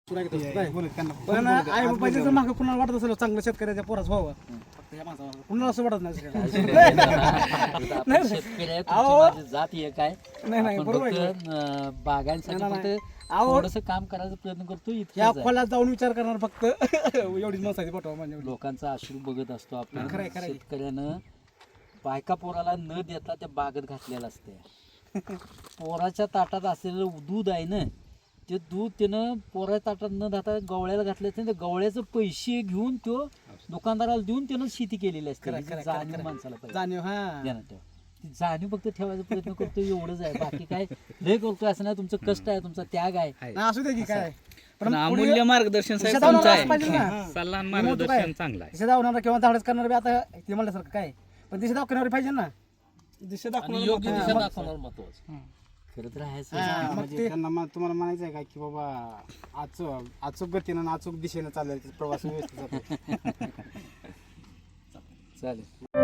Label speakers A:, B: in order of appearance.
A: पण आई बाबाच्या जर मागं कुणाला वाटत असेल चांगलं शेतकऱ्याच्या पोराच व्हावं फक्त ह्या माणसाला कुणाला असं वाटत नाही
B: शेतकऱ्या जात एक आहे.
A: नाही
B: आपण
A: बरोबर आहे.
B: फक्त बागांसाठी फक्त
A: अहो
B: थोडंसं काम करायचा प्रयत्न करतो
A: या
B: इतकंच आहे.
A: खोल्यात जाऊन विचार करणार फक्त एवढीच माणसाची पाठवा म्हणजे
B: लोकांचा अश्रू बघत असतो आपण.
A: खरंय, खरंय.
B: शेतकऱ्यानं बायका पोराला न देता त्या बागेत घातलेलं असते. पोराच्या ताटात असलेलं दूध आहे ना ते दूध त्यानं पोराच्या ताटात न जाता गवळ्याला घातलं असतं. त्या गवळ्याचं पैसे घेऊन तो दुकानदाराला देऊन त्यानं शेती केलेली असते.
A: खरंय,
B: ही
A: खरंय,
B: जाणीव
A: खरंय.
B: माणसाला पाहिजे.
A: जाणीव हा
B: ध्यानात ठेवा. ती जाणीव फक्त ठेवायचा प्रयत्न करतो एवढंच आहे. बाकी काय लय करतोय असं नाही. तुमचं कष्ट आहे, तुमचा त्याग आहे.
A: नाही, असू दे की काय
C: पण अमूल्य मार्गदर्शन साहेब
A: शेतावर
C: तुमचं
A: असं पाहिजे
C: आहे.
A: ना.
C: सल्ला आणि
A: मग तो काय?
C: मार्गदर्शन चांगलं आहे.
A: दिशा दाखवणार किंवा धाडस करणार बी आता ते म्हणल्यासारखं काय पण दिशा दाखवणार पाहिजे ना दिशा
B: आणि योग्य दिशा
A: दाखवणार
B: दाखवणार महत्वाचं. खरं तर आहेच.
A: मग
D: म्हणजे
A: ते
D: त्यांना तुम्हाला म्हणायचं आहे का की बाबा अचूक गतीनं आणि अचूक दिशेनं चाललेला प्रवास व्यवस्थित जातो.
B: चालेल.